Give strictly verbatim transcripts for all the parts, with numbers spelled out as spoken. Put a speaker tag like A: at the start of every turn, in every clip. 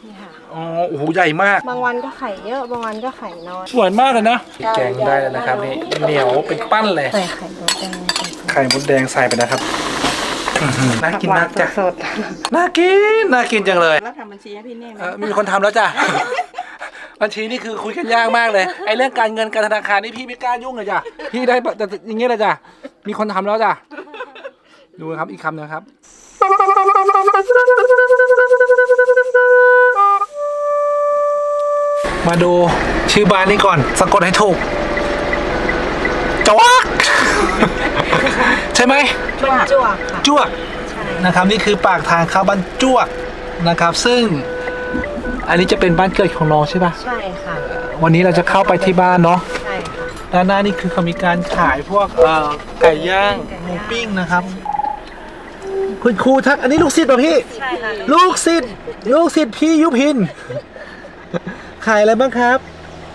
A: นี่ค่ะ
B: อ๋อโอ้โหใหญ่มาก
A: บางวันก็ไข่เยอะบางวันก็ไข่น้อย
B: สวยมากเลยนะแกงได้แล้วนะครับนี่เหนียวเป็นปั้นเลย
A: ใส่ไข่มดแดง
B: ไข่มดแดงใส่ไปนะครับน่ากินมากจ้ะ
A: สด
B: น่ากินน่ากินจังเลย
C: แล้วทำบัญชีให้พี่เน่ไหม
B: เออมีคนทำแล้วจ้ะ บัญชีนี่คือคุยกันยากมากเลยไอ้เรื่องการเงินการธนาคารนี่พี่ไม่กล้ายุ่งเลยจ้ะพี่ได้แต่อย่างเงี้ยเลยจ้ะมีคนทำแล้วจ้ะดูนะครับอีกคำนะครับมาดูชื่อบ้านนี้ก่อนสะกดให้ถูกจวก ใช่ไหม
A: จวกจวกค่ะ
B: จวกนะครับนี่คือปากทางเข้าบ้านจวกนะครับ ซึ่งอันนี้จะเป็นบ้านเกิดของน้องใช่ปะ
A: ใช่ค่ะ
B: วันนี้เราจะเข้าไปที่บ้านเนาะ
A: ใช่ค่ะ
B: ด้านหน้านี่คือเขามีการขายพวกเอ่อไก่ย่างหมูปิ้งนะครับ คุณครูทักอันนี้ลูกศิษย์ป่ะพี่
A: ใช่ค่ะ
B: ลูกศิษย์ลูกศิษย์พี่ยุพิน ขายอะไรบ้างครับ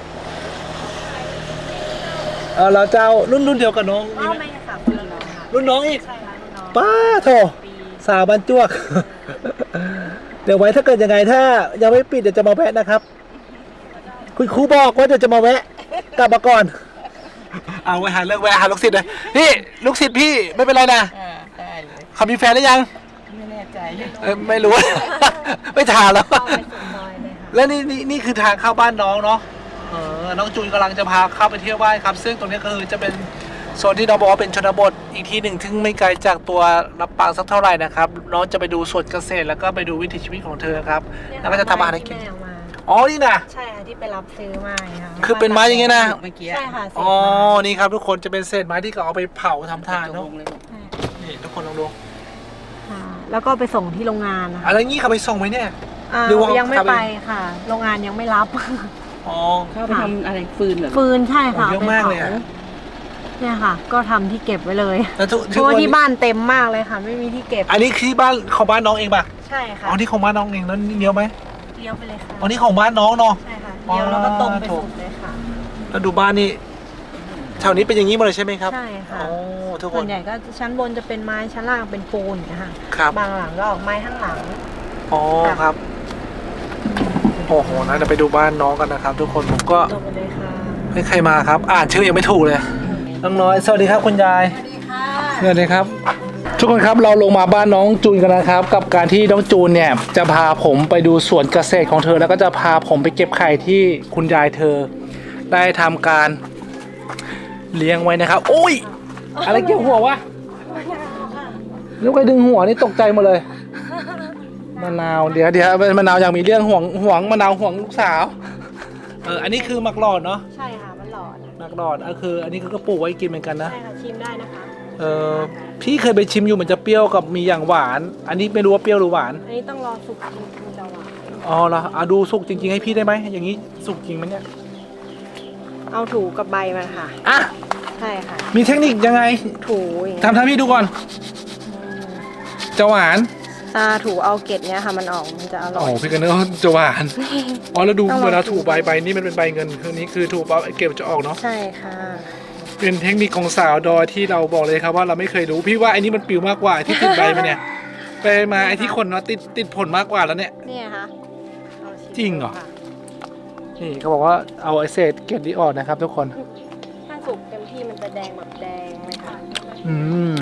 B: เออเราจะเอารุ่นรุ่นเดียวกับน้องมี
A: อ้าว
B: ไหม
A: ไม่ค่ะคนละน้องค่ะ
B: รุ่นน้องอีก
A: ใช่ค่ะรุ่นน้อง
B: ป้าโถสาวบรรจวก เดี๋ยวไว้ถ้าเกิดยังไงถ้ายังไม่ปิดเดี๋ยวจะมาแวะนะครับ คุณครูบอกว่าเดี๋ยวจะมาแวะกลับมาก่อน เอาไว้หาเรื่องแวะหาลูกศิษย์เลยนี่ลูกศิษย์พี่ไม่เป็นไรนะ
C: อ่าได้เลย
B: เขามีแฟนหรือยัง
C: ไม่แน่ใจ
B: เอ้ยไม่รู้ ไม่ถามแล้ว
A: เข้าไปสุดซอยเลยค่ะ
B: และนี่นี่นี่คือทางเข้าบ้านน้องเนาะเออน้องจูนกำลังจะพาเข้าไปเที่ยวบ้านครับ ซึ่งตรงนี้ก็คือจะเป็นโซนที่น้องบอกว่าเป็นชนบทอีกที่หนึ่งซึ่งไม่ไกลจากตัวลำปางสักเท่าไหร่นะครับน้องจะไปดูสวนเกษตรแล้วก็ไปดูวิถีชีวิตของเธอครับแล้วก็จะทำอาหารให้กิน
A: ที่แม่เอามา
B: อ๋อนี่นะ
A: ใช่ค่ะที่ไปรับซื้อมาค่ะ
B: คือเป็นไม้อย่างเงี้ยนะ
C: เมื่อกี้
A: ใช่ค่ะเศษ
B: อ๋อ
A: ไม้
B: นี่ครับทุกคนจะเป็นเศษไม้ที่เขาเอาไปเผาทำทาน
C: ตร
B: เนาะ
C: งเลย
B: นี่ทุกคนลองดู
A: ค่ะแล้วก็ไปส่งที่โรงงานนะคะ
B: อะไรงี้เขาไปส่งไหมเนี่ย
A: อ่า
B: หรือว่า
A: ยังไม่
B: ทำเอง
A: ไปค่ะ โรงงานยังไม่รับ
B: อ๋อ
C: เข้าไปทำอะไรฟืนเหรอ
A: ฟืนใช่ค่ะ
B: โอ้เยอะมากเลยอะ
A: ไปผเนี่ยค่ะ ก็ทำที่เก็บไว้เลย
B: แล้วทุก
A: เพราะว่าที่บ้านเต็มมากเลยค่ะ ไม่มีที่เก็บ
B: อันนี้คือที่บ้านของบ้านน้องเองป่ะ
A: ใช่ค่ะ
B: อ๋อนี่ของบ้านน้องเองแล้วนี่เลี้ยวไหม
A: เลี้ยวไปเลยค่ะ
B: อ๋อนี่ของบ้านน้องเนาะ
A: ใช่ค่ะเลี้ยวแล้วก็ตรงไปสุดเลยค่ะ
B: แล้วดูบ้านนี่แถวนี้เป็นอย่างนี้หมดเลยใช่ไหมครับ
A: ใช่ค่ะ
B: โอ้ทุกค
A: ส่วน นใหญ่ก็ชั้นบนจะเป็นไม้ชั้นล่างเป็นปูนอย่างเงี้ยค่ะ
B: ครับ
A: บางหลังก็ออกไม้ข้างหลัง
B: อ๋อครับโอ้โหนะเดี๋ยวไปดูบ้านน้องกันนะครับ ทุกคนผมก็
A: ตรงไปเลยค่ะ
B: ไม่ใครมาครับ อ่านชื่อยังไม่ถูกเลยน้องน้อยสวัสดีครับคุณยาย
A: สวัสดีค่ะ
B: สวัสดีครับ ทุกคนครับเราลงมาบ้านน้องจูนกันนะครับ กับการที่น้องจูนเนี่ยจะพาผมไปดูสวนเกษตรของเธอ แล้วก็จะพาผมไปเก็บไข่ที่คุณยายเธอ ได้ทำการเลี้ยงไว้นะครับโอ้ยอะไรเกี่ยวหัววะลูกไปดึงหัวนี่ตกใจหมดเลยมะนาวเดี๋ยวเดี๋ยวมะนาวยังมีเรื่องห่วงห่วงมะนาวห่วงลูกสาวเอออันนี้คือมักหลอดเนาะ
A: ใช่ค่ะมันหลอด
B: มักหลอดก็คือ อันนี้ก็ปลูกไว้กินเหมือนกันนะ
A: ใช่ค่ะชิมได้นะคะ
B: เออพี่เคยไปชิมอยู่มันจะเปรี้ยวกับมีอย่างหวาน อันนี้ไม่รู้ว่าเปรี้ยวหรือหวาน
A: อันนี้ต้องรอสุกจริงๆจะหวาน
B: อ๋อเหรออ่ะดูสุกจริงๆให้พี่ได้ไหมอย่างนี้สุกจริงไหมเนี่ย
A: เอาถูกับใบมันค่ะ
B: อ่ะ
A: ใช่ค่ะ
B: มีเทคนิคยังไง
A: ถูอย่างเงี้ย
B: ทำท่าพี่ดูก่อนจะหวาน
A: อ่าถูเอาเกล็ดเนี้ยค่ะมันออกมันจะอร่
B: โอ้
A: อย
B: พี่กันนึกว่าจะหวาน อ๋อแล้วดู
A: ต้องลอง
B: เวลาถูใบใบนี่มันเป็นใบเงินคือนี้คือถูปั๊บไอ้เก็บจะออกเนาะ
A: ใช่ค่ะ
B: เป็นเทคนิคของสาวดอยที่เราบอกเลยครับว่าเราไม่เคยรู้พี่ว่าไอ้นี่มันปิวมากกว่าที่ติดใบมันเนี่ยไปมาไอ้ที่คนเนาะติดติดผลมากกว่าแล้วเนี่ย
A: เนี่ยค่ะเอาชิม
B: จริงเหรอ
A: ค่ะ
B: นี่เขาบอกว่าเอาไอ้เศษเกล็ดนี้ออกนะครับ ทุกคน
A: ถ้าสุกเต็มที่มันจะแดงแบบแดงเลยค่ะ
B: อืม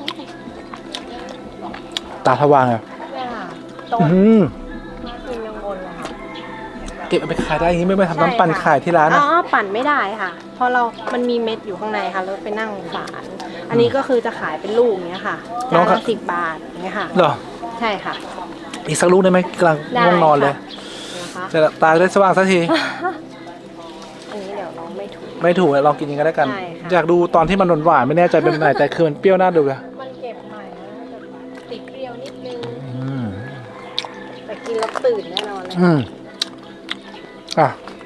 B: ตาทวางอ่ะ
A: เนี่ยค่ะต้น
B: อืม
A: กินยังบนเลยค่ะ
B: เก็บเอาไปขายได้อย่างนี้ไม่ไปทำน้ำปั่นขายที่ร้าน
A: อ๋
B: นะ
A: อปั่นไม่ได้ค่ะ เพราะเรา มันมีเม็ดอยู่ข้างในค่ะแล้วไปนั่งฝาน อันนี้ก็คือจะขายเป็นลูกเนี้ยค่ะจานละสิบบาทอย่างเงี้ยค่ะ
B: เหรอ
A: ใช่ค่ะ
B: อีกสักลูกได้ไหมกำลัง
A: ได้
B: ง่วงนอนเลย
A: นะคะ
B: จะตาได้สว่างสักที
A: อันนี้เดี๋ยวน้องไม่ถูก
B: ไม่ถูกลองกินยังไงแล้วกัน
A: ใช่ค่ะ
B: อยากดูตอนที่มันหวานๆไม่แน่ใจเป็นไหนแต่คือมันเปรี้ยวน่าดูอะ
A: มันเก็บใหม่นะจะติดเปรี้ยวนิดนึง
B: อืม
A: แต่กินแล้วตื่นแน่นอนเลย
B: อืมอ่ะ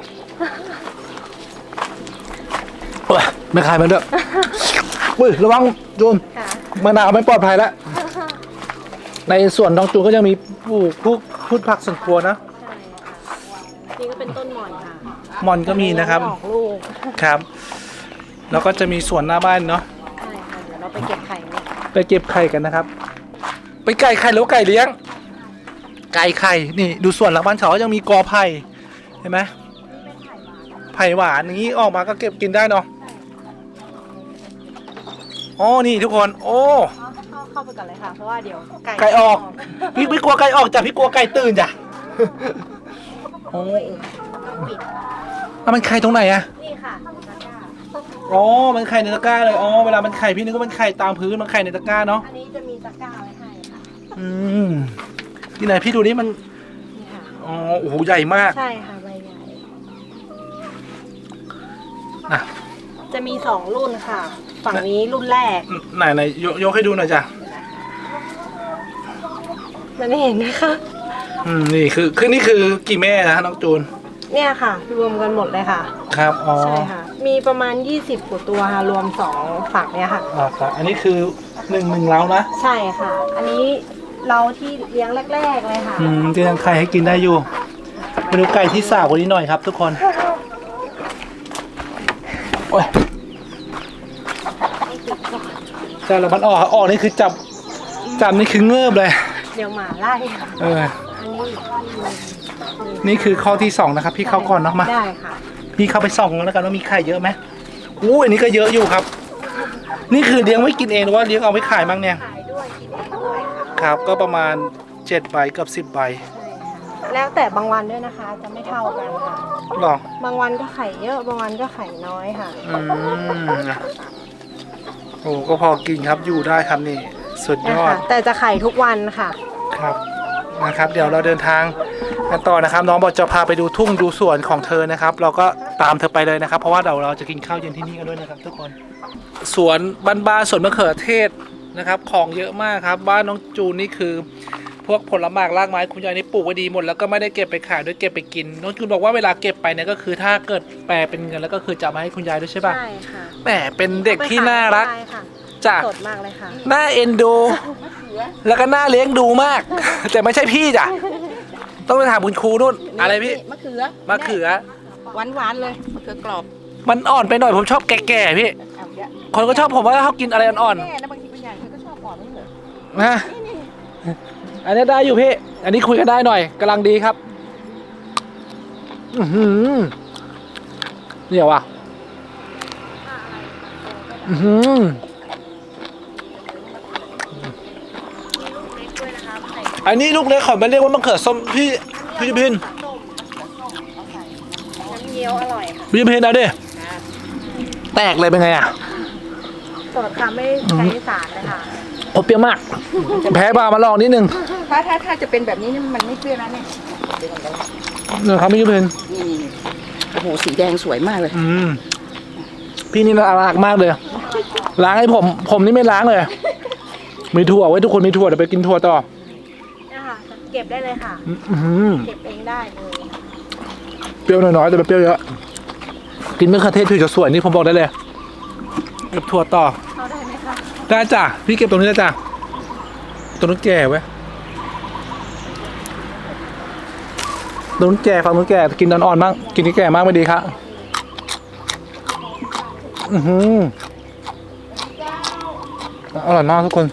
B: เอ้ยไม่ขายมันด้วยอุ้ยระวังจูน
A: ค่ะ
B: มะนาวไม่ปลอดภัยแล้ว ในส่วนน้องจูนก็ยังมีปลูกพวกพืชผักสวนครัวนะ
A: ใช่ค่ะนี่ก็เป็นต้นหม่อนค่ะ
B: มอนก็มีนะครับ
A: ออกลูก
B: ครับ แล้วก็จะมีสวนหน้าบ้านเนาะ
A: ใช่ค่ะเดี๋ยวเราไปเก็บไข่เนี่ย
B: ไปเก็บไข่กันนะครับ ไปไก่ไข่หรือว่าไก่เลี้ยงไก่ไข่นี่ดูส่วนหลังบ้านเขายังมีกอไผ่เห็นไหมไผ่หวานอย่างนี้ออกมาก็เก็บกินได้เนาะอ๋อนี่ทุกคนโอ้
A: เข้าเข้าไปก่อนเลยค่ะเพราะว่าเดี๋ยวไก่
B: ไก่ออกพี่พี่กลัวไก่ออกจ้ะพี่กลัวไก่ตื่นจ้ะโอ้แล้วมันไข่ตรงไหนอะ
A: นี่ค่ะ
B: อ๋อมันไข่ในตะกร้าเลยอ๋อเวลามันไข่พี่นึกว่ามันไข่ตามพื้นมันไข่ในตะกร้าเนาะ
A: อันนี้จะมีตะกร้าไว้ให้ค่ะ
B: อืมที่ไหนพี่ดูนี่มัน
A: นี่ค่ะ
B: อ๋อโอ้โหใหญ่มาก
A: ใช่ค่ะใบใหญ่
B: นะ
A: จะมีสองรุ่นค่ะ ฝั่งนี้รุ่นแรก
B: ไหนไหนยกยกให้ดูหน่อยจ้ะ
A: มันไม่เห็นนะคะ
B: อืมนี่คือคือนี่คือกี่แม่นะน้องจูน
A: เนี่ยค่ะ รวมกันหมดเลยค่ะ
B: ครับอ๋อ
A: ใช่ค่ะ มีประมาณยี่สิบกว่าตัวค่ะรวมสองฝั่งเนี่ยค่ะ
B: อ่าครับอันนี้คือหนึ่งหนึ่งเล้านะ
A: ใช่ค่ะ อันนี้เราที่เลี้ยงแรกๆเลยค่ะ
B: อืมที่ยังไข่ให้กินได้อยู่มาดูไก่ที่สาวกว่านี้หน่อยครับ ทุกคนโอ้ยแต่เรามันออกออกนี่คือจับจับนี่คือเงือบเลย
A: เดี๋ยวหมาไล่ค่ะ
B: เออ
A: อันนี้อีกข้อหนึ่ง
B: นี่คือข้อที่สองนะครับ พี่เข้าก่อนเนาะมา
A: ได้ค่ะ
B: พี่เข้าไปส่องแล้วกันว่ามีไข่เยอะไหมอู้อันนี้ก็เยอะอยู่ครับ นี่คือเลี้ยงไว้กินเองหรือว่าเลี้ยงเอาไว้ขายบ้างเนี่ย
A: ขายด้วยกินเองด้วยค่ะ
B: ครับ ก็ประมาณเจ็ดใบเกับสิบใบ
A: ใช่ค่ะ แล้วแต่บางวันด้วยนะคะ จะไม่เท่ากันค่ะ
B: หรอบ
A: างวันก็ไข่เยอะ บางวันก็ไข่น้อยค่ะ
B: อืมโอ้ก็พอกินครับอยู่ได้ครับนี่สุดย
A: นะ
B: อด
A: คะ แต่จะไข่ทุกวันค่ะ
B: ครับนะครับ เดี๋ยวเราเดินทางกันต่อนะครับ น้องบอกจะพาไปดูทุ่งดูสวนของเธอนะครับ เราก็ตามเธอไปเลยนะครับ เพราะว่าเราเราจะกินข้าวเย็นที่นี่กันด้วยนะครับ ทุกคนสวนบ้านๆสวนมะเขือเทศนะครับ ของเยอะมากครับบ้านน้องจูนนี่คือ พวกผลไม้รากไม้คุณยายนี่ปลูกไว้ดีหมดแล้วก็ไม่ได้เก็บไปขายด้วยเก็บไปกินน้องจูนบอกว่าเวลาเก็บไปเนี่ยก็คือถ้าเกิดแปลเป็นเงินแล้วก็คือจะมาให้คุณยายด้วยใช่ป่ะ
A: ใช่ค่ะ
B: แหมเป็นเด็กที่น่ารัก
A: ใช่ค่ะ
B: จ้ะ
A: สดมากเลยค่ะ
B: น่าเอ็นดู แล้วก็น่าเลี้ยงดูมาก แต่ไม่ใช่พี่จ้ะต้องไปถามคุณครูนู่นอะไรพี่
C: มะเขือ
B: มะเขือ
C: หวานหวานๆเลยมะเขือกรอบ
B: มันอ่อนไปหน่อยผมชอบแก่ๆพี่
C: เอาเยอะ
B: คนก็ชอบผมว่าเขากินอะไรอ่อน
C: แม่นะบางทีบางอย่างเธอก็ชอบอ่อนไม่เหรอ
B: ๆนะอันนี้ได้อยู่พี่ อันนี้คุยกันได้หน่อยกำลังดีครับ อือหือเนี่ยว่ะอือหืออันนี้ลูกเล็กขอมาเรียกว่ามะเขือส้มพี่พี่พิน
A: น้ำเงี้ยวอร่อยค่ะ
B: พี่พินเอาดิแตกเลยเป็นไงอ่ะ
A: สดค่ะไม่ใช้สารเลยค่ะ
B: โอ้เปรี้ยวมาก แพ้บามาลองนิดนึง
C: ถ้าถ้าถ้าจะเป็นแบบนี้นี่มันไม่เปรี้ยวนะเนี่ย
B: เนี่ยครับพี่พิน
C: นี่โอ้โหสีแดงสวยมากเลย
B: อืมพี่นี่น่ารักมากเลย ล้างให้ผม ผมนี่ไม่ล้างเลย มีถั่วไว้ทุกคนมีถั่วเดี๋ยวไปกินถั่วต่อ
A: เนี่ยค่ะ เก็บได้เลยค่ะ
B: อื้อหือ
A: เก็บเองได้เลย
B: เปรี้ยวน้อยๆแต่ไม่เปรี้ยวเยอะกินมะเขือเทศผิวจะสวยนี่ผมบอกได้เลยเก็บถั่วต่อ
A: เข้าได้ไหมคะ
B: ได้จ้ะพี่เก็บตรงนี้ได้จ้ะตรงนู้นแก่ไว้ตรงนู้นแก่ฝั่งนู้นแก่กินอ่อนๆบ้างกินที่แก่มากไม่ดีครับอือหืออร่อยมากทุกคน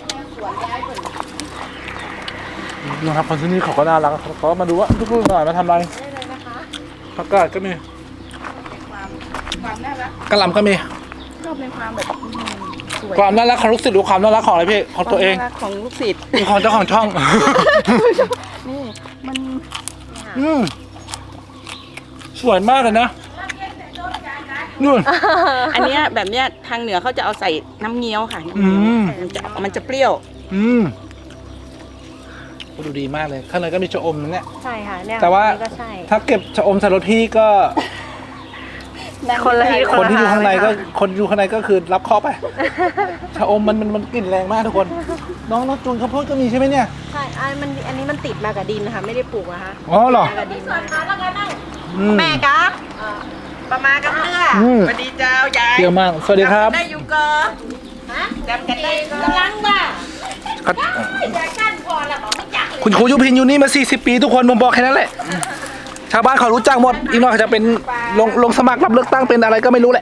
B: นะครับคนที่นี่เขาก็น่ารักเขาก็มาดูว่าทุกคนหน่อยมาทำอะไร
A: ได้เลยนะคะ
B: ผักกาดก็มี
C: ความความน่ารัก
B: กระหล่ำก็มี
C: ชอบในความแบบอืมสวย
B: ความน่ารักของลูกศิษย์หรือความน่ารักของอะไรพี่ของตัวเอง
C: ความน่ารักของลูกศิษย์
B: ของเจ้าของช่อง
C: นี่มัน
B: อืมสวยมากเลยนะนู่น
C: อันเนี้ยแบบเนี้ยทางเหนือเขาจะเอาใส่น้ำเงี้ยวค่ะ
B: อืม
C: มันจะมันจะเปรี้ยว
B: อืมโอ้ดูดีมากเลย ข้างในก็มีชะอมนะเนี่ย
A: ใช่ค่ะเนี่ย
B: แต่ว่า
A: อันนี้ก็ใช่
B: ถ้าเก็บชะอมใส่รถพี่ก็
A: คนละที่
B: คนที่อยู่ข้างในก็
A: ค่ะ
B: คนอยู่ข้างในก็คือรับเคราะห์ไป ชะอมมันมันมันกลิ่นแรงมากทุกคน น้องน้องจูนข้าวโพดก็มีใช่ไหมเนี่ย
A: ใช่อันมันอันนี้มันติดมากับดินนะคะไม่ได้ปลูกนะคะ
B: อ๋อเหรอ
A: มากับดินมา
B: อืม
C: แม่กะประมากับเนื้อ
B: อืม
C: สวัสดีเจ้ายาย
B: เปรี้ยวมาก สวัสดีครับ
C: ได้อยู่เกอจำกันได้กำลังว่า
B: ครับ
C: ยายกั้นพอแล้วบอกไม่จักเลย
B: คุณครูยุพินอยู่นี่มาสี่สิบปีทุกคนผมบอกแค่นั้นแหละ ชาวบ้านเขารู้จักหมด อีกหน่อยเขาจะเป็นลงลงสมัครรับเลือกตั้งเป็นอะไรก็ไม่รู้แหละ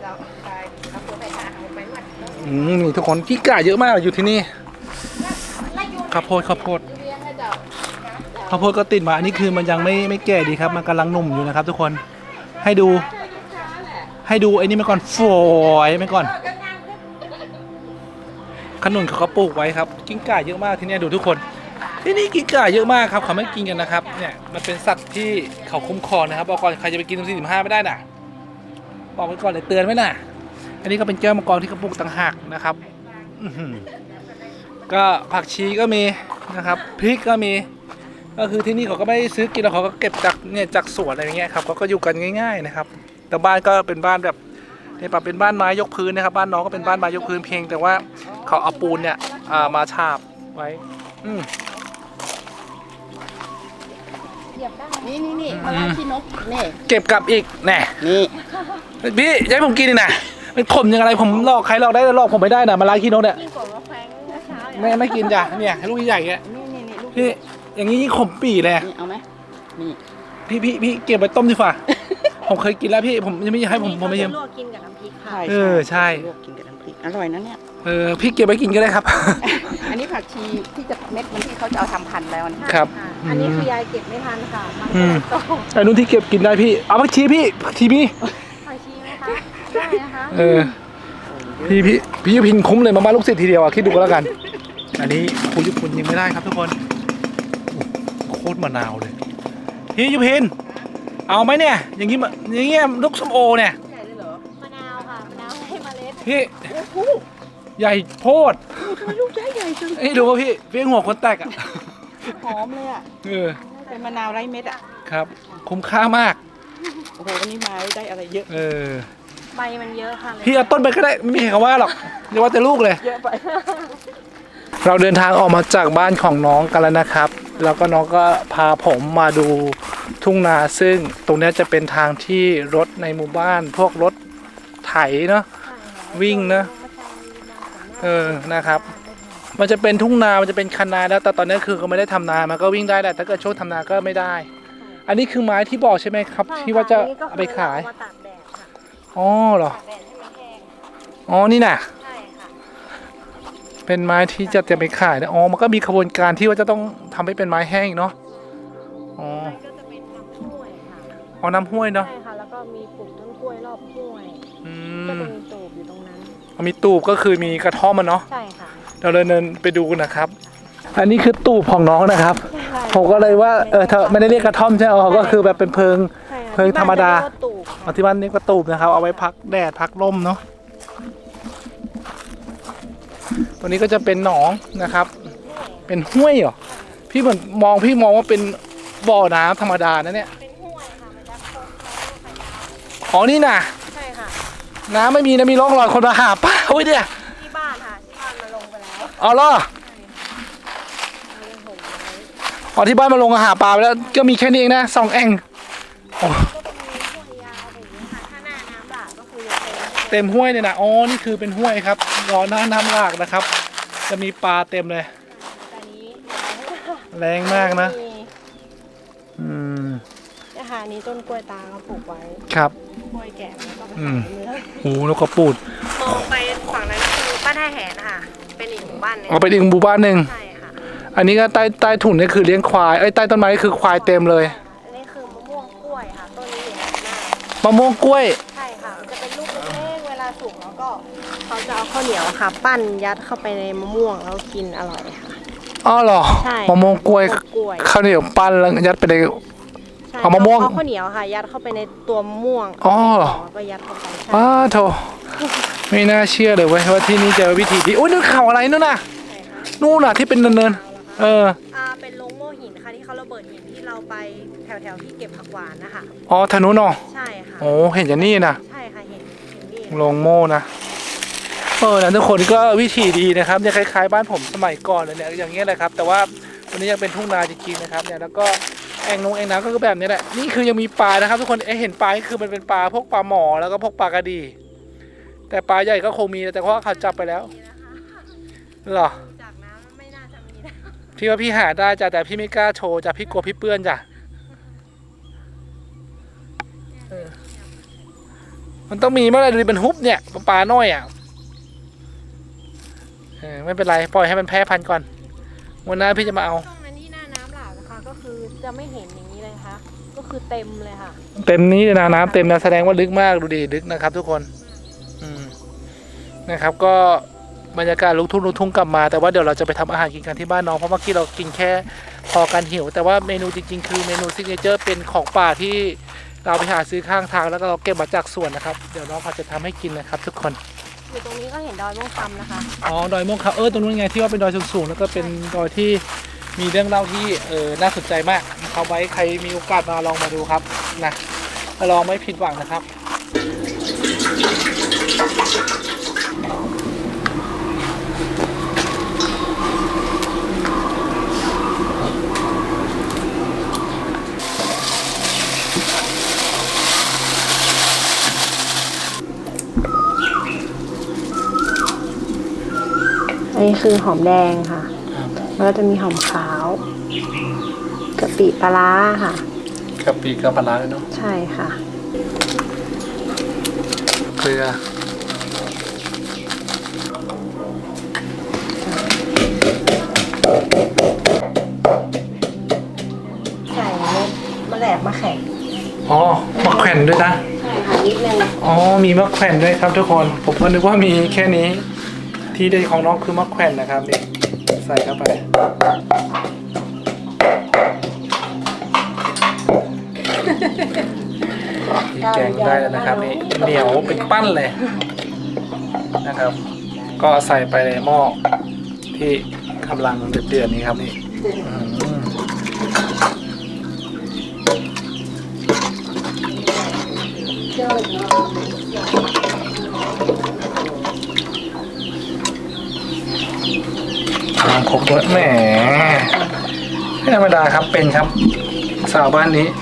B: อืมนี่ทุกคนขี้ก่าเยอะมากอยู่ที่นี่ข้าวโพดข้าวโพดข้าวโพดก็ติดมาอันนี้คือมันยังไม่ไม่แก่ดีครับมันกำลังหนุ่มอยู่นะครับ ทุกคนให้ดู ให้ดูไอ้นี่มาก่อนฝอยมาก่อนขนุนเขาก็ปลูกไว้ครับกิ้งก่าเยอะมากที่นี่ดูทุกคนที่นี่กิ้งก่าเยอะมากครับเขาไม่กินกันนะครับเนี่ยมันเป็นสัตว์ที่เขาคุ้มครองนะครับบอกก่อนใครจะไปกินตรงสี่สิบห้าไม่ได้น่ะบอกไว้ก่อนเลยเตือนไว้น่ะอันนี้ก็เป็นแก้วมังกรที่เขาปลูกต่างหากนะครับอื้อหือก็ผักชีก็มีนะครับพริกก็มีก็คือที่นี่เขาก็ไม่ได้ซื้อกินแล้วเขาก็เก็บจากเนี่ยจากสวนอะไรอย่างเงี้ยครับเขาก็อยู่กันง่ายๆนะครับแต่บ้านก็เป็นบ้านแบบเนี่ยปรับเป็นบ้านไม้ยกพื้นนะครับบ้านน้องก็เป็นบ้านไม้ยกพื้นเพียงแต่ว่าเขาเอาปูนเนี่ยมาฉาบไว้อืม
C: นี่นี่นี่มะระขี้นกนี่
B: เก็บกลับอีกแน่
C: นี่
B: พี่จะให้ผมกินนี่นะมันขมยังไงผมหลอกใครหลอกได้แต่หลอกผมไม่ได้นะมาลาขี้นกเนี่ย
A: ยิ่งกว่าว่าแฟงเช้าๆ
B: ไม่ไม่กินจ้ะเนี่ยลูกใหญ่ๆแก
C: นี่นี่นี่ลูก
B: พี่อย่างนี้ยิ่งขมปี่เลย
C: นี่เอาไหมนี่
B: พี่พี่พี่เก็บไปต้มดีกว่า ผมเคยกินแล้วพี่ผมยังไม่อยากให้ผมผมไม่
A: อัน
B: ชิม
A: นี้เขาจะลวกกินกับน้ำพริกค่ะ
B: เออใช่
C: ลวกกินกับน้ำพริกอร่อยนะเนี่ย
B: เออพี่เก็บไว้กินก็ได้ครับ
C: อันนี้ผักชีที่จะเม็ดมันที่เขาจะเอาทำพันธุ์แล้วนะ
B: ครับ
A: ค่ะอันนี้คือยายเก็บไม่ทันค่ะมัน
B: อืม
A: โต
B: ไอ้นู้นที่เก็บกินได้พี่เอาผักชีพี่ผักชีพี่
A: ผักชีไหมคะได้นะคะ
B: เออพี่พี่พี่ยุพินคุ้มเลยมาบ้านลูกศิษย์ทีเดียวอ่ะคิดดูก็แล้วกัน อันนี้ครูยุพินยังไม่ได้ครับทุกคนโอ้โคตรมะนาวเลยพี่ยุพินเอาไหมเนี่ยอย่างงี้มาอย่างเงี้ยลูกส้มโอเนี่ย
C: ใหญ่เลยเหรอ
A: มะนาวค่ะมะนาวให้เมล็ด
B: พี่
C: โอ้โห
B: ใหญ่โพด
C: ทำไมลูกใหญ่ใหญ่จัง
B: เอ้ยดูว่าพี่พี่หัวคนแตกอ่ะ
C: หอมเลยอ่ะ
B: เออ
C: เป็นมะนาวไร้เม็ดอ่ะ
B: ครับคุ้มค่ามาก
C: โอ้โหวันนี้มาได้อะไรเยอะ
B: เออ
A: ใบมันเยอะค่ะ
B: พี่เอาต้นไปก็ได้ไม่มีใครว่าหรอกอย่าว่าแต่ลูกเลย
C: เยอะไป
B: เราเดินทางออกมาจากบ้านของน้องกันแล้วนะครับ แล้วก็น้องก็พาผมมาดูทุ่งนาซึ่งตรงนี้จะเป็นทางที่รถในหมู่บ้าน พวกรถไถเนาะวิ่งเนาะเออนะครับ มันจะเป็นทุ่งนา มันจะเป็นคันนาแล้วแต่ตอนนี้คือเขาไม่ได้ทำนา มันก็วิ่งได้แหละถ้าเกิดช่วงทำนาก็ไม่ได้ อันนี้คือไม้ที่บอกใช่ไหมครับ ที่ว่าจะเอาไปขาย
A: มาตากแดดค่ะ
B: อ๋อเหรอ
A: ตากแดดให้มันแห้ง
B: อ๋อนี่น่ะ
A: ใช่ค่ะ
B: เป็นไม้ที่จะจะไปขายนะอ๋อ มันก็มีขบวนการที่ว่าจะต้องทำให้เป็นไม้แห้งเนาะ อ๋อ
A: มันก็จะเป็นน้ำห้วยค่ะ
B: อ๋อน้ำห้วยเนาะ
A: ใช่ค่ะแล้วก็มีปลูกต้นกล้วยรอบห้วย
B: อื
A: ก็
B: ม
A: จะมีตูบอยู่ตรงนั้น
B: มีตูบก็คือมีกระท่อมมันเนาะ
A: ใช่ค่ะ
B: เราเดินไปดูกันนะครับ อันนี้คือตูบของน้องนะครับ
A: ใช่
B: ผมก็เลยว่า เออเธอไม่ได้เรียกกระท่อมใช่ไหมอ๋อก็คือแบบเป็นเพิง
A: ใช่ค่ะ
B: เพิงธรรมดา
A: ที่บ้นจะเรียกว่ตูบ
B: เอาที่บ้านเรียกว่าตูบนะครับ เอาไว้พักแดดพักลมเนาะ ตัวนี้ก็จะเป็นหนองนะครับ เป็นห้วยเหรอ พี่เหมือนมองพี่มองว่าเป็นบ่อน้ำธรรมดานะเนี่ย
A: เป็นห้วยค่ะมันจะคงคล้ายๆไข่ดาว
B: อ๋อนี่น่ะ
A: ใช่ค่ะ
B: น้ำไม่มีนะมีร่องรอยคนมาหาป้าโอ้ยเนี่ย
A: ที่บ้านค่ะที่บ้านมาลงไปแล้ว
B: เอาล่ะ
A: เอาลงหงไว้
B: อ๋อที่บ้านมาลงหาปลาไปแล้วก็มีแค่นี้เองนะสองแอ่งโอ้
A: ก็จะมีห้วยยาวแบบนี้ค่ะถ้าหน้าน้ำหลากก็คือจะเป็น
B: เต็มห้วยเลยนะอ๋อนี่คือเป็นห้วยครับรอหน้าน้ำหลากนะครับ จะมีปลาเต็มเลย
A: แต่นี้
B: แรงมากนะ
A: มี
B: อืม
A: เนี่ยค่ะอันนี้ต้นกล้วยตาเขาปลูกไว้
B: ครับ
A: กล้วยแก่แล้วก็ไป
B: อื
A: ขาม ยเนื้อ
B: โอ้แล้วก็ปูด
A: มองไปฝั่งนั้นคือบ้านท่าแหนนะคะเป็นอีกหมู่บ้านหนึง
B: เอาไปอีกหมู่บ้านหนึ่ง
A: ใช่ค่ะ
B: อันนี้ก็ใต้ใต้ถุนนี่คือเลี้ยงควายไอ้ยใต้ต้นไม้นี่คือควายเต็มเลย
A: อันนี้คือมะม่วงกล้วยค่ะต้นนี้อยู่ในหน้า
B: มะม่วงกล้วย
A: ใช่ค่ะมันจะเป็นลูกเล็กๆเวลาสุกแล้วก็เขาจะเอาข้าวเหนียวค่ะ ปั้นยัดเข้าไปในมะม่วงแล้วกินอร่อยค่ะ
B: อ๋อเหรอ
A: ใช่
B: มะม่วงกล้วย
A: มะม่วงกล้วย
B: ข้าวเหนียวปั้นแล้วยัดไปใน
A: ใช่
B: เอามะม่วง
A: เอาข้าวเหนียวค่ะ ยัดเข้าไปในตัวมะม่วง
B: อ๋อ
A: แล้วก็ยัดเข้าไปใช่
B: อ้าโถไม่น่าเชื่อเลยเว้ยว่าที่นี่จะวิธีที่อุ้ยนู่นเขาอะไรนู่นน่ะ
A: ใช่ค่ะ
B: นู่นน่ะที่เป็นเนินๆเออ
A: อ่าเป็นลงโม่หินค่ะที่เขาระเบิดหินที่เราไปแถวๆที่เก็บผักหวานนะคะ
B: อ๋อทางนู้นเนาะ
A: ใช่ค่ะ
B: โอ้เห็นอย่างนี้นะ
A: ใช่ค่ะเห็นเห็นนี่
B: ลงโม่นะเออนะทุกคนก็วิธีดีนะครับจะคล้ายๆบ้านผมสมัยก่อนเลยเนี่ยอย่างเงี้ยแหละครับ แต่ว่าวันนี้ยังเป็นทุ่งนาจริงๆนะครับเนี่ยแล้วก็แอ่งนงแอ่งน้ำก็คือแบบนี้แหละนี่คือยังมีปลานะครับ ทุกคนเอ๊ะเห็นปลานี่คือมันเป็นปลาพวกปลาหมอแล้วก็พวกปลากระดี แต่ปลาใหญ่ก็คงมีแต่เพราะว่าเขาจับไปแล้ว
A: นี่นะคะ
B: เหรอ
A: จากน้ำไม่น่าจะมีนะ
B: พี่ว่าพี่หาได้จ้ะแต่พี่ไม่กล้าโชว์จ้ะพี่กลัวพี่เปื้อนจ้ะเออมันต้องมีเมื่อไหร่ดูดิเป็นฮุบเนี่ยปลาน้อยอ่ะเออไม่เป็นไรปล่อยให้มันแพร่พันธุ์ก่อนวันหน้าพี่จะมาเอา
A: ช่วงนั้นที่หน้าน้ำหลากนะคะก็คือจะไม่เห็นอย่างนี้เลยค่ะก็คือเต็มเลยค่ะ
B: เต็มนี้เลยนะน้ำเต็มนะแสดงว่าลึกมากดูดิลึกนะครับทุกคนอืมนะครับก็บรรยากาศลุกทุ่งลุกทุ่งกลับมาแต่ว่าเดี๋ยวเราจะไปทำอาหารกินกันที่บ้านน้องเพราะเมื่อกี้เรากินแค่พอกันหิวแต่ว่าเมนูจริงๆคือเมนูซิกเนเจอร์เป็นของป่าที่เราไปหาซื้อข้างทางแล้วก็เราเก็บมาจากสวนนะครับเดี๋ยวน้องเขาจะทำให้กินนะครับทุกคน
A: อยู่ตรงนี้ก็เห็นดอยม่วงคำนะคะ
B: อ๋อดอยม่วงคำเออตรงนู้นไงที่ว่าเป็นดอยสูงๆแล้วก็เป็นดอยที่มีเรื่องเล่าที่เออน่าสนใจมากเอาไว้ใครมีโอกาสมาลองมาดูครับนะลองไม่ผิดหวังนะครับ
A: อันนี้คือหอมแดงค่ะแล้วก็จะมีหอมขาวกะปิปลาร้าค่ะ
B: กะปิกับปลาร้าเลยเนาะ
A: ใช่ค่ะ
B: เกลือ
A: ใส่เม็ดมะแหลกมะแข็ง
B: อ๋อมะแขวนด้วยนะ
A: ใช่ค่ะนิดนึง
B: อ๋อมีมะแขวนด้วยครับทุกคนผมก็นึกว่ามีแค่นี้ที่เด็ดของน้องคือมะแขวนนะครับนี่ใส่เข้าไปนี่แกงได้แล้วนะครับนี่เหนียวเป็นปั้นเลยนะครับ ก็ใส่ไปในหม้อที่กำลังเดือดๆนี้ครับนี่อืมน้ำครบด้วยแหมไม่ธรรมดาครับเป็นครับสาวบ้านนี้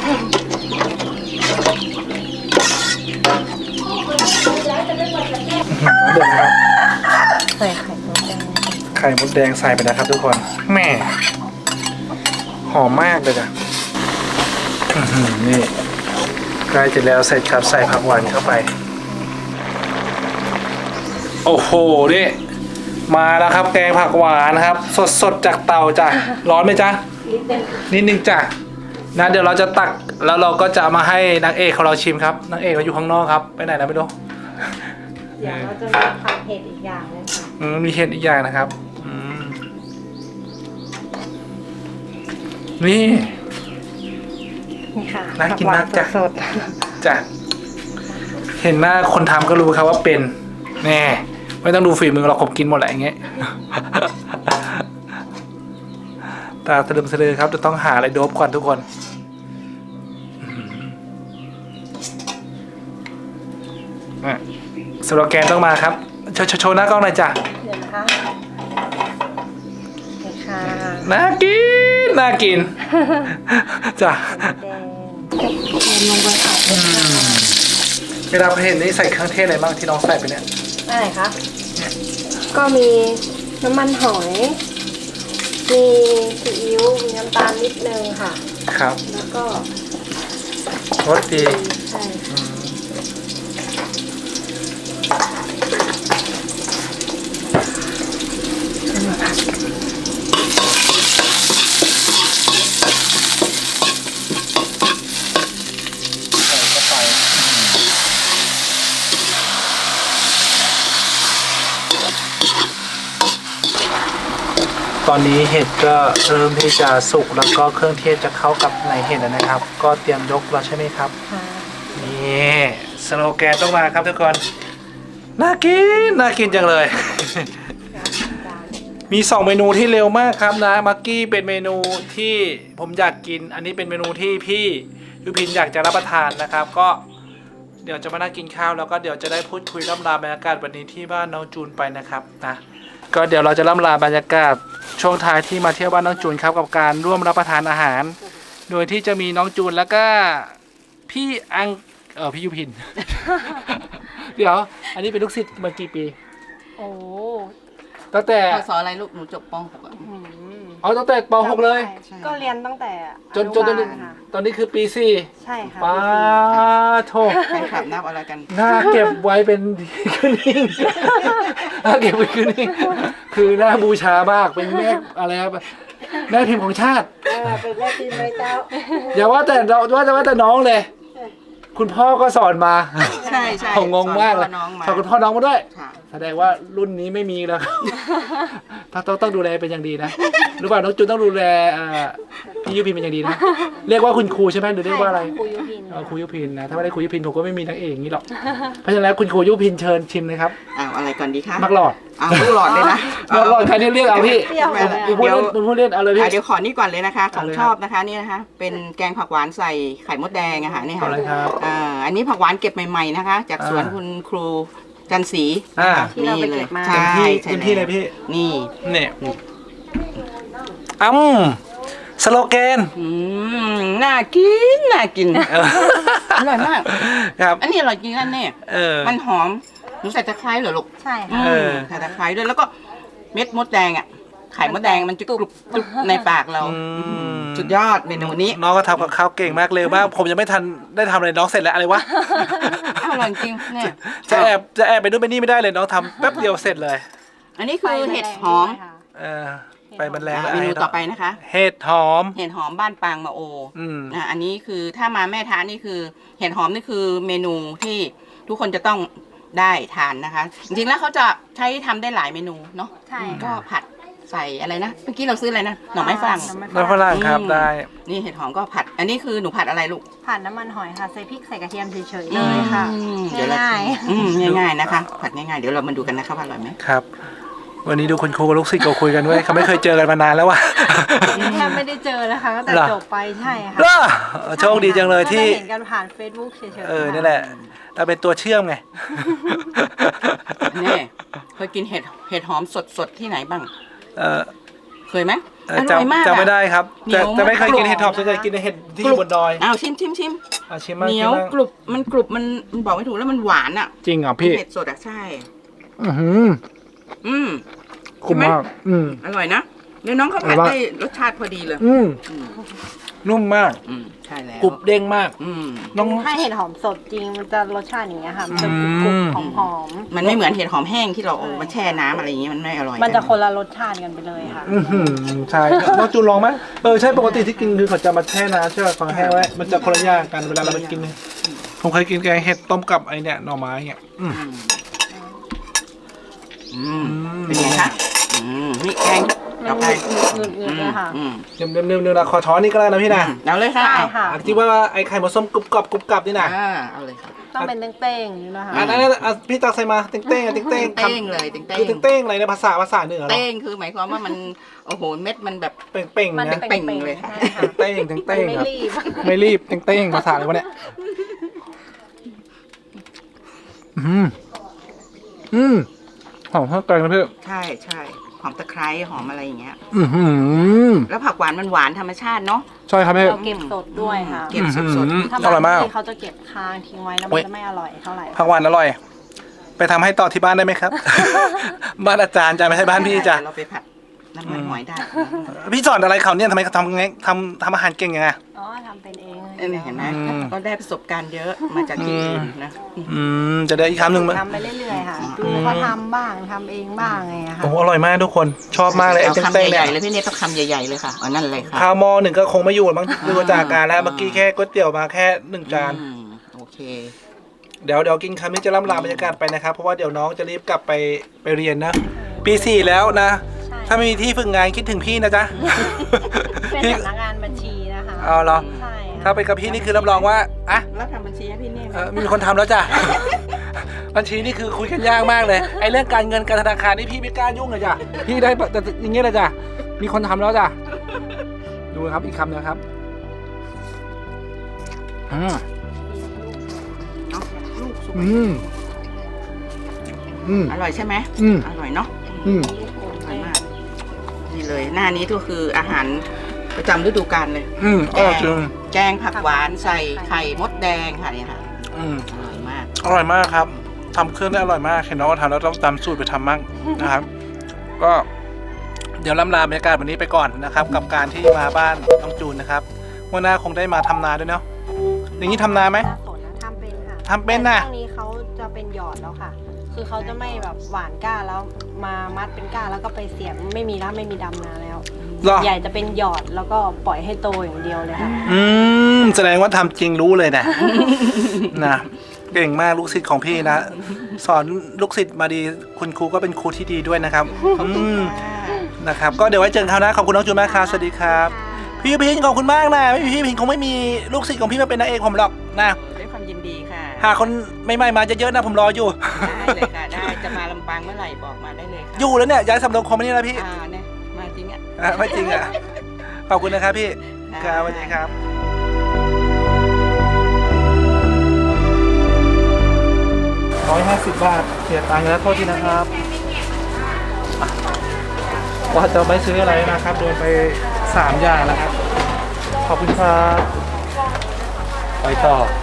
B: เดือดครับ
A: ใส่ไข่มดแดง
B: ไข่มดแดงใส่ไปนะครับทุกคนแหม่หอมมากเลยจ้ะอื้อหือนี่ใกล้จะแล้วเสร็จครับใส่ผักหวานเข้าไปโอ้โหนี่มาแล้วครับแกงผักหวานนะครับ สดสดๆจากเตาจ้ะร้อนไหมจ๊ะ
A: นิดนึง
B: นิดนึงจ้ะนะเดี๋ยวเราจะตักแล้วเราก็จะเอามาให้นางเอกของเราชิมครับนางเอกเราอยู่ข้างนอกครับไปไหนนะไม่รู้
A: เดี๋ยวเราจะมีผัดเผ็ดอีกอย่างเลยค่ะ
B: อืมมีเห็ดอีกอย่างนะครับอืมนี่
A: นี่ค่ะ
B: น่ากินมากจ้ะ
A: สด
B: จ้ะเห็นหน้าคนทำก็รู้ครับว่าเป็นแน่ไม่ต้องดูฝีมือเราผมกินหมดแหละอย่างเงี้ย ตาตะลึมสะลือครับจะต้องหาอะไรโดบก่อนทุกคนอ่ะสโลแกนต้องมาครับโชว์โชว์หน้ากล้องหน่อยจ้ะ
A: ๆเดี๋ยวนะคะนี่ค่ะ
B: น่ากินน่ากิน จ้ะ
A: แดงจะเทลงไปผัดเลยค่ะ
B: เวลาเห็นนี่ใส่เครื่องเทศอะไรบ้างที่น้องใส่ไปเนี่ย
A: อะไรคะก็มีน้ำมันหอย มีซีอิ๊ว มีน้ำตาลนิดนึงค่ะ
B: ครับ
A: แล้วก็
B: รสดี
A: ใช่ค่ะ
B: ใส่เข้าไปตอนนี้เห็ดก็เริ่มที่จะสุกแล้วก็เครื่องเทศจะเข้ากับในเห็ดแล้วนะครับ ก็เตรียมยกแล้วใช่ไหมครับ
A: ค่ะ
B: นี่สโลแกนต้องมาครับทุกคนน่ากินน่ากินจังเลย มีสองเมนูที่เร็วมากครับนะมักกี้เป็นเมนูที่ผมอยากกิน อันนี้เป็นเมนูที่พี่ยุพินอยากจะรับประทานนะครับ ก็เดี๋ยวจะมานั่งกินข้าวแล้วก็เดี๋ยวจะได้พูดคุยล่ำลาบรรยากาศวันนี้ที่บ้านน้องจูนไปนะครับนะก็เดี๋ยวเราจะล่ำลาบรรยากาศช่วงท้ายที่มาเที่ยวบ้านน้องจูนครับกับการร่วมรับประทานอาหาร โดยที่จะมีน้องจูนแล้วก็พี่อังเออพี่ยุพิน เดี๋ยว อันนี้เป็นลูกศิษย์มากี่ปี
A: โอ้
B: ตั้งแต่
C: พศอะไรลูกหนูจบป .หก อ่ะ
A: หืม
B: เอาตั้งแต่ป .หก เลย
C: ใช่
A: ก็เรียนตั้งแต่
B: จนจนตอนนี้
A: อนุบาลค่ะ
B: ตอนนี้คือปีสี่
A: ใช่ค่ะ
B: ป้าโท
C: แฟนคลับนับอะไรกัน
B: หน้าเก็บไว้เป็นขึ้นนิ่งหน้าเก็บไว้ขึ้นนิ่งคือหน้าบูชามากเป็นแม่อะไรครับแม่พิมพ์ของชาติ
D: เออเป็นแม่พิมพ์เลยเจ้า
B: อย่าว่าแต่เราว่าแต่ว่าแต่น้องเลย คุณพ่อก็สอนมา
C: ใช่ใช่
B: ผมงงมากเลย
C: สอนพ่อน้องมา
B: สอนคุณพ่อน้องมาด้วย
C: ค่ะ
B: แสดงว่ารุ่นนี้ไม่มีแล้วต้องต้องต้องดูแลเป็นอย่างดีนะหรือว่าน้องจูนต้องดูแลเอ่อพี่ยุพินเป็นอย่างดีนะเรียกว่าคุณครูใช่ไหมหรือเรียกว่าอะไร
A: ครูยุพิน
B: เออครูยุพินนะถ้าไม่ได้ครูยุพินผมก็ไม่มีนางเอกอย่างนี้หรอกเพราะฉะนั้นแล้วคุณครูยุพินเชิญชิมเลยครับ
C: อ้าวอะไรก่อนดีคะ
B: มักหลอด
C: อ้าวลูกหลอดเลยนะ
B: มักหลอดใครเนี่ยเรียกเอาพี่
A: เปรี้ยว
C: ไม่
A: เล
C: เป็นไร
A: ย
B: มึงพูดเล่นมึงพูดเล่นเอาเลยพี่
C: อ่ะเดี๋ยวขอนี่ก่อนเลยนะคะ ข
B: เอา
C: อง
B: เลย
C: ชอบนะคะนี่นะคะ เป็นแกงผักหวานใส่ไข่มดแดงอะค่ะนี่
B: เอา
C: ค่ะ
B: เลยครับ
C: อ่าอันนี้ผักหวานเก็บใหม่ๆนะคะ จากสวน
B: อ่า
C: คุณครูจันศรี
B: อ่า
A: ที่เราไปเก็บมา
C: ใช่
B: เต็มที่
C: ใช่
B: เต็มที่เลยพี่
C: นี่
B: เนี่ยอ้ำสโลแกน
C: อืมน่ากินน่ากิน
B: เออ
C: อร่อยมาก
B: ครับ
C: อันนี้อร่อยจริงอันนี้
B: เออ
C: มันหอมหนูใส่ตะไคร้เหรอลูก
A: ใช่
C: อื
A: ค่ะ
B: เอ
C: ม
B: อ
C: ใส่ตะไคร้ด้วยแล้วก็เม็ดมดแดงอ่ะไข่มดแดงมันจะกรุบกรุบในปากเรา
B: อืม
C: สุดยอดเมนูนี้
B: น้องก็ทำกับข้าวเก่งมากเร็วมากผมยังไม่ทันได้ทำอะไรน้องเสร็จแล้วอะไรวะ
C: อ้าวอร่อยจริงเนี่ย
B: จะแอบจะแอบไปนู่นไปนี่ไม่ได้เลยน้องทำแป๊บเดียวเสร็จเลย
C: อันนี้คือเห็ดหอม
B: เออไปมันแรงแล้ว
C: เมนูต่อไปนะคะ
B: เห็ดหอม
C: เห็ดหอมบ้านปางมาโอ
B: อืม
C: อ่ะอันนี้คือถ้ามาแม่ทานนี่คือเห็ดหอมนี่คือเมนูที่ทุกคนจะต้องได้ทานนะคะ จริงๆแล้วเขาจะใช้ทำได้หลายเมนูเนาะ
A: ใช่
C: ก็
A: ค่ะ
C: ผัดใส่อะไรนะเมื่อกี้เราซื้ออะไรนะหน่อไม้ฝรั่ง
A: หน่อไม้
B: น้ำฝรั่งครับ
C: อืม
B: ได้
C: นี่เห็ดหอมก็ผัด อันนี้คือหนูผัดอะไรลูก
A: ผ่านน้ำมันหอยค่ะ ใส่พริกใส่กระเทียมเฉยๆเลยค่ะ
C: อืมเดี๋ยวเรา
A: ง่าย
C: อืมง่ายๆนะคะ ผัดง่ายๆเดี๋ยวเรามาดูกันนะคะว่าอร่อยไหม
B: ครับ วันนี้ดูคุณครูกับลูกศิษย์ก็คุยกันด้วยเขาไม่เคยเจอกันมานานแล้วว่ะ
A: ๆแทบไม่ได้เจอนะคะตั้งแต่
B: เหรอ
A: จบไปใช่ค่ะ
B: เหรอโชคดีจังเลยที่
A: ก็ได้เห็นกันผ่าน Facebook เฉยๆ
B: เออ
A: ค่ะ
B: นี่แหละเราเป็นตัวเชื่อมไง
C: นี่เคยกินเห็ดเห็ดหอมสดๆที่ไหนบ้าง
B: เออ
C: เคยไหม
B: เอ
C: อ
B: อ
C: ร่อยมาก
B: จำจำไม่
C: อะ
B: ได้ครับ
C: เหนี
B: แต่
C: ยว
B: แต่ไม่เคยกิน
C: มาก
B: เห็ดถอบส่วนใหญ่กินเห็ดที่อยู่บนดอย
C: อ้าวชิมชิมชิม
B: อาชิมมาก
C: เหนียว
B: ชิมมาก
C: กรุบมันกรุบมันมันบอกไม่ถูกแล้วมันหวานอ่ะ
B: จริงเหรอพี่
C: เผ็ดสดอ่ะใช่
B: อือหือ
C: อืม
B: คุ้มมาก อืม
C: อร่อยนะแล้วน้องเขาผัด
B: อร่อย
C: ได้รสชาติพอดีเลย
B: อืม
C: อืม
B: นุ่มมาก
C: อืมใช่แล้ว
B: กรุบเด้งมาก
C: อืม
B: น้อง
A: ถ้าเห็ดหอมสดจริงมันจะรสชาติอย่างเงี้ยค่ะ มันจะ
B: อื
A: กรุบ
B: ม
A: ๆหอม
C: มันไม่เหมือนเห็ดหอมแห้งที่เราเอามาแช่น้ำอะไรอย่างเงี้ยมันไม่อร่อย
A: ๆมันจะคนละรสชาติกันไปเลยค่ะ
B: อือหือใช่น้องจูนลองไหมเออใช่ปกติที่กินคือเขาจะมาแช่น้ำใช่ไหมฟังแห้งไว้มันจะคนละอย่างกันเวลาเราไปกินเนี่ยผมเคยกินแกงเห็ดต้มกับไอเนี่ยหน่อไม้เนี่ยอืม
C: อืมอืมเป็นไงคะอืมนี่แกง
A: มัน
C: ต่อไป
A: หนึบๆเลยค่ะ
C: อืม
B: เดี๋ยวเดี๋ยวเดี๋ยวเดี๋ยวเราขอช้อนนี่ก็ได้นะพี่นะ
C: เอาเลยค่ะ
A: ใช่ค่ะ
B: อ่ะที่ว่าไอไข่มดส้มกรุบกรอบกรุบกรับนี่นะ
C: อ่าเอาเลยค่ะ
A: ต้องเป็นเต้งๆนี่นะคะ
B: อันนั้นอ่ะพี่ตักใส่มาเต้งเต้งอ่ะเต้งเต้ง
C: เต้งเลยเต้งเต้ง
B: คือเต้งเต้งอะไรนะภาษาภาษาเหนือเหรอ
C: เต้งคือหมายความว่ามันโอ้โหเม็ดมันแบบ
B: เป่งเป่ง
A: มัน
B: นะ
C: เป่งเลยค่ะ
A: ใช่ค่ะ
B: เต้งเต้ง
A: มัน
B: เต้ง
A: ไม่
B: ครับ
A: รีบ
B: ไม่รีบเต้งเต้งภาษาอะไรวะเนี่ยอืมอืมหอมข้าวแกงนะพี่
C: ใช่ใช่หอมตะไคร้หอมอะไรอย่างเงี้ย
B: อือหือ
C: แล้วผักหวานมันหวานธรรมชาติเนาะ
B: ใช่ครับพี่
A: เราเก็บสดด้วยค่ะ
C: เก็บสด
B: อืม
A: ถ้า
B: อร่อยมาก
A: บางที่เขาจะเก็บค้างทิ้งไว้แล้วมันจะไม่อร่อยเท่าไหร่
B: ผักหวานอร่อย ไปทำให้ต่อที่บ้านได้ไหมครับ บ้านอาจารย์จ้ะไม่ใช่บ้านพี่จ้ะ
C: เราไปผัดน้ำมันหอยได้
B: พี่สอนอะไรเขาเนี่ยทำไมเขาทำไงทำทำอาหารเก่งยังไง
A: อ๋อทำเป็นเอง
C: เออเห็นไหม
B: อืม
C: ก็ได้ประสบการณ์เยอะมาจากที่อื่นนะ
B: อืมจะได้อีกคำหนึ่งมั้ย
A: ทำไปเรื่อยๆค่ะ ดูเขาทำบ้างทำเองบ้างไงอะค่ะ
B: โอ้โหอร่อยมากทุกคนชอบมากเลยไอ้
C: เอา
B: เต้ง
C: คำ
B: เต้ง
C: ให
B: เนี่
C: ญ่
B: ย
C: ๆเลยพี่เนทต้องคำใหญ่ๆเลยค่ะเอานั่นเลยค่ะ
B: ข้าวหม้อหนึ่งก็คงไม่อยู่มั้งดูจากการแล้วเมื่อกี้แค่ก๋วยเตี๋ยวมาแค่หนึ่งจาน
C: อืมโอเค
B: เดี๋ยวเดี๋ยวกินคำนี้จะล่ำลาบรรยากาศไปนะครับ เพราะว่าเดี๋ยวน้องจะรีบกลับไปไปเรียนนะ ปีสี่แล้วนะ
A: ใช่
B: ถ้าไม่มีที่ฝึกงานคิดถึงพี่นะจ๊ะ
A: เป็น
B: พี่
A: สำนักงานบัญชีนะคะ
B: เอาเหรอ
A: ใช่
B: ถ้าไปกับพี่นี่คือรับรองว่าอ่ะ
C: แล้วทำบัญชีให้พี่เนทไหม
B: เออมีคนทำแล้วจ้ะ บัญชีนี่คือคุยกันยากมากเลยไอ้เรื่องการเงินการธนาคารนี่พี่ไม่กล้ายุ่งเลยจ้ะพี่ได้แต่อย่างเงี้ยเลยจ้ะมีคนทำแล้วจ้ะดูนะครับอีกคำนะครับอืม
C: เนาะลูกสุก
B: อืมอืม
C: อร่อยใช่ไหม
B: อืม
C: อร่อยเนาะ
B: อืม
C: อร่อยมากนี่เลยหน้านี้ก็คืออาหารประจำฤดูกาลเลย
B: อืมอร่อยจริง
C: แกงผักหวานใส่ไข่มดแดงค่ะเนี่ยค่ะ
B: อืม
C: อร่อยมาก
B: อร่อยมากครับทำเครื่องได้อร่อยมากเห็นน้องก็ทำแล้วต้องตามสูตรไปทำมั่งนะครับ ก็เดี๋ยวล่ำลาบรรยากาศวันนี้ไปก่อนนะครับ กับการที่มาบ้านน้องจูนนะครับวันหน้าคงได้มาทำนาด้วยเนาะอย่างนี้ทำนาไหม
A: น่าสนนะทำเป็นค่ะ
B: ทำเป็นน่ะ
A: แต่ช่วงนี้เขาจะเป็นหยอดแล้วค่ะ คือเขาจะไม่แบบหวานก้าแล้วมามัดเป็นก้าแล้วก็ไปเสียบไม่มีแล้วไม่มีดำนาแล้ว
B: หรอ
A: ใหญ่จะเป็นหยอดแล้วก็ปล่อยให้โตอย่างเดียวเลยค่ะ
B: อืมแสดงว่าทำจริงรู้เลยนะ นะเก่งมากลูกศิษย์ของพี่นะ สอนลูกศิษย์มาดีคุณครูก็เป็นครูที่ดีด้วยนะครับอืมนะครับก็เดี๋ยวไว้เจอกันคราวหน้าขอบคุณน้องจูนมากครับสวัสดีครับ พี่พินขอบคุณมากนะไม่มีพี่พินคงไม่มีลูกศิษย์ของพี่มาเป็นนางเอกผมหรอกนะ
C: ด้วยความยินดีค่ะ
B: หาคนใหม่ๆมาเยอะๆนะผมรออยู่
C: ได้เลยค่ะ ได้จะมาลำปางเมื่อไหร่บอกมาได้เลยค่ะ
B: อยู่แล้วเนี่ยย้ายสำโรงคอมมานี่แล้วพี่
C: อ่าเนี่ยมาจริงอ่ะ
B: อ่ะไม่จริงอ่ะขอบคุณนะครับพี่ครับสวัสดีครับร้อยห้าสิบบาทเสียตังค์แล้วโทษทีนะครับอ่ะว่าจะไม่ซื้ออะไรนะครับโดนไปสามอย่างแล้วครับขอบคุณครับไปต่อ